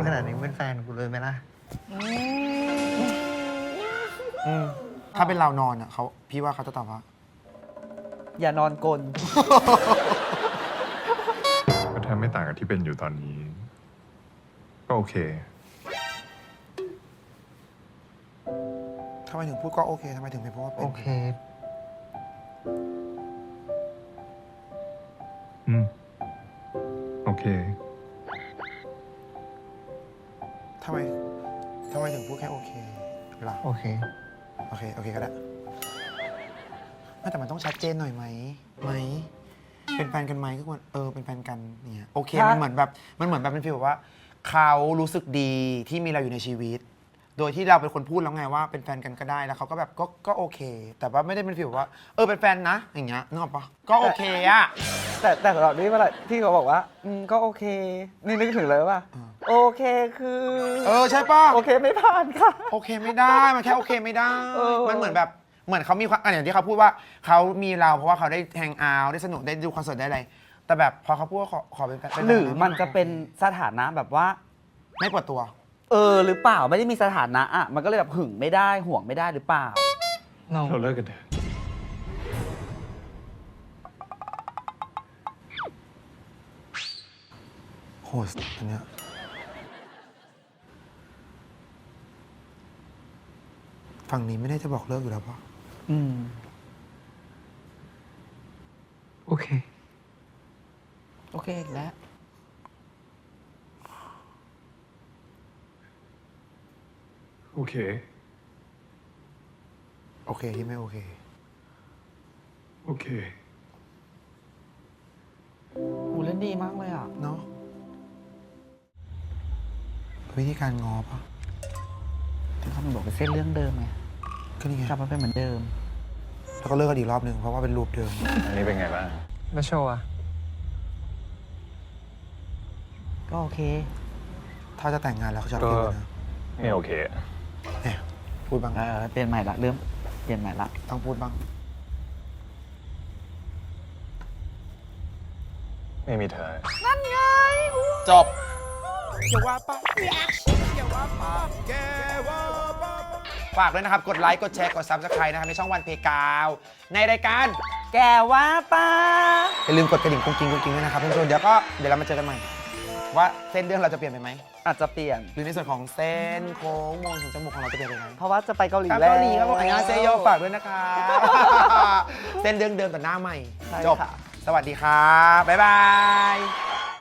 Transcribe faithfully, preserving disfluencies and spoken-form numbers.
ขนาดนี้เป็นแฟนกูเลยไหมล่ะอืมถ้าเป็นเรานอนอ่ะเขาพี่ว่าเขาจะตอบว่าอย่านอนกลนก็ถ้าไม่ต่างกับที่เป็นอยู่ตอนนี้ ก็โอเคทำไมถึงพูดก็โอเคทำไมถึงไม่พูดว่าเป็นโอเคอืม โอเคทำไมทำไมถึงพูดแค่โอเคล่ะโอเคโอเค โอเคก็ได้ไม่แต่มันต้องชัดเจนหน่อยไหมไหม เป็นแฟนกันไหมทุกคนเออ เป็นแฟนกันเนี่ยโอเคถ้ามัมันเหมือนแบบ มันเหมือนแบบเป็นฟีลแบบว่า เขารู้สึกดีที่มีเราอยู่ในชีวิต โดยที่เราเป็นคนพูดแล้วไงว่าเป็นแฟนกันก็ได้ แล้วเขาก็แบบก็ก็โอเค แต่ว่าไม่ได้เป็นฟีลแบบว่า เออ เป็นแฟนนะ อย่างเงี้ยนึกออกปะก็โอเคอะแต่แต่สำหรับนี่เมื่อไหร่ที่เขาบอกว่าอืมก็โอเค นี่นึกถึงเลยว่าโอเคคือเออ ใช่ปะโอเคไม่ผ่านค่ะโอเคไม่ได้ มันแค่โอเคไม่ได้เออมันเหมือนแบบ เหมือนเขามีความอ่ะอย่างที่เขาพูดว่าเขามีเราเพราะว่าเขาได้แฮงเอาท์ได้สนุกได้ดูคอนเสิร์ตได้อะไร แต่แบบพอเขาพูดว่าขอขอเป็นแฟนเป็นแฟนหรือมันจะเป็นสถานะแบบว่าไม่ปวดตัวเออหรือเปล่าไม่ได้มีสถานะอ่ะมันก็เลยแบบหึงไม่ได้ห่วงไม่ได้หรือเปล่าเราเราเลิกกันเถอะโหสอันเนี้ยฝั่งนี้ไม่ได้จะบอกเลิกอยู่แล้วปะอืมโอเคโอเคอีกแล้วโอเคโอเคที่ไม่โอเคโอเคอูเล่นดีมากเลยอ่ะเนาะวิธีการง้อปะที่เขาบอกเป็นเส้นเรื่องเดิมไงก็นี่ไงกลับมาเป็นเหมือนเดิมแล้วก็เลิกกันอีกรอบหนึ่งเพราะว่าเป็นรูปเดิมอันนี้เป็นไงบ้างแล้วโชว์อะก็โอเคถ้าจะแต่งงานแล้วเขาจะก็เปลี่ยนนะไม่โอเคเนี่ยพูดบ้างเออเปลี่ยนใหม่ละเริ่มเปลี่ยนใหม่ละต้องพูดบ้างไม่มีเธอจบ ฝากด้วยนะครับ กดไลค์ กดแชร์ กด ซับสไครบ์ นะครับ ในช่องวันเพกาว ในรายการแกว่าป้าอย่าลืมกดกระดิ่งกุ้งกิ้งกุ้งกิ้งด้วยนะครับเพื่อนๆเดี๋ยวก็เดี๋ยวเรามาเจอกันใหม่ ว่าเส้นเรื่องเราจะเปลี่ยนไปไหมอาจจะเปลี่ยนหรือในส่วนของเส้นโค้งมงถึงจมูกของเราจะเปลี่ยนไปไหมเพราะว่าจะไปเกาหลีครับแล้วเกาหลีครับผมอันยองเซโยฝากด้วยนะครับ เส้นเรื่องเดิมแต่หน้าใหม่ใช่จบค่ะสวัสดีครับ บ๊ายบาย